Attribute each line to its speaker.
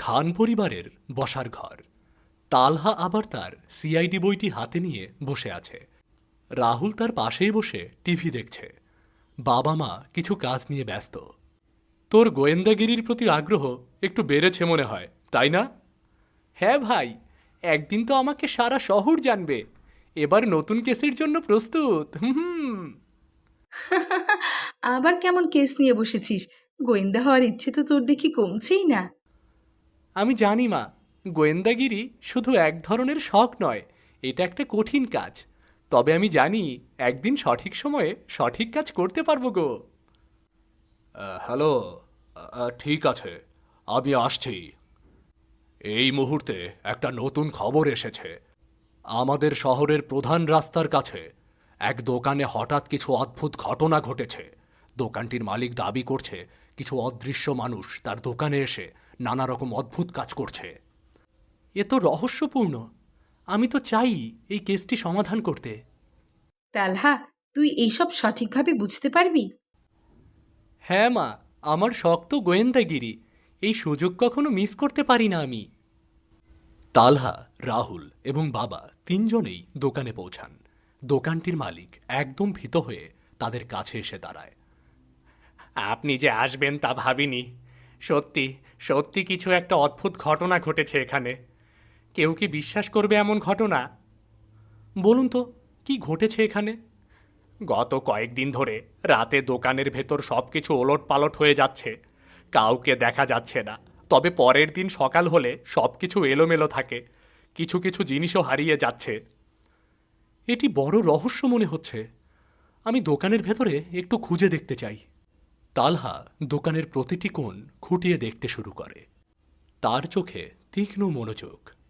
Speaker 1: খান পরিবারের বসার ঘর। তালহা আবার তার সিআইডি বইটি হাতে নিয়ে বসে আছে। রাহুল তার পাশেই বসে টিভি দেখছে। বাবা মা কিছু কাজ নিয়ে ব্যস্ত। তোর গোয়েন্দাগিরির প্রতি আগ্রহ একটু বেড়েছে মনে হয়, তাই না? হ্যাঁ ভাই, একদিন তো আমাকে সারা শহর জানবে। এবার নতুন কেসের জন্য প্রস্তুত। হুম।
Speaker 2: আবার কেমন কেস নিয়ে বসেছিস? গোয়েন্দা হওয়ার ইচ্ছে তো তোর দেখি কমছেই না।
Speaker 1: আমি জানি মা, গোয়েন্দাগিরি শুধু এক ধরনের শখ নয়, এটা একটা কঠিন কাজ। তবে আমি জানি একদিন সঠিক সময়ে সঠিক কাজ করতে পারবো গো। হ্যালো, ঠিক আছে, আমি আসছি। এই মুহূর্তে একটা নতুন খবর এসেছে। আমাদের শহরের প্রধান রাস্তার কাছে এক দোকানে হঠাৎ কিছু অদ্ভুত ঘটনা ঘটেছে। দোকানটির মালিক দাবি করছে কিছু অদৃশ্য মানুষ তার দোকানে এসে নানা রকম অদ্ভুত কাজ করছে। এ তো রহস্যপূর্ণ। আমি তো চাই এই কেসটি সমাধান করতে।
Speaker 2: তালহা, তুই এইসব সঠিকভাবে বুঝতে পারবি?
Speaker 1: হ্যাঁ মা, আমার শখ তো গোয়েন্দাগিরি। এই সুযোগ কখনো মিস করতে পারি না আমি। তালহা, রাহুল এবং বাবা তিনজনেই দোকানে পৌঁছান। দোকানটির মালিক একদম ভীত হয়ে তাদের কাছে এসে দাঁড়ায়। আপনি যে আসবেন তা ভাবিনি। সত্যি সত্যি কিছু একটা অদ্ভুত ঘটনা ঘটেছে এখানে। কেউ কি বিশ্বাস করবে এমন ঘটনা? বলুন তো, কি ঘটেছে এখানে? গত কয়েকদিন ধরে রাতে দোকানের ভেতর সবকিছু ওলটপালট হয়ে যাচ্ছে। কাউকে দেখা যাচ্ছে না। তবে পরের দিন সকাল হলে সবকিছু এলোমেলো থাকে। কিছু কিছু জিনিসও হারিয়ে যাচ্ছে। এটি বড় রহস্য মনে হচ্ছে। আমি দোকানের ভেতরে একটু খুঁজে দেখতে চাই। তালহা দোকানের প্রতিটি কোণ খুঁটিয়ে দেখতে শুরু করে। তার চোখে তীক্ষ্ণ মনোযোগ।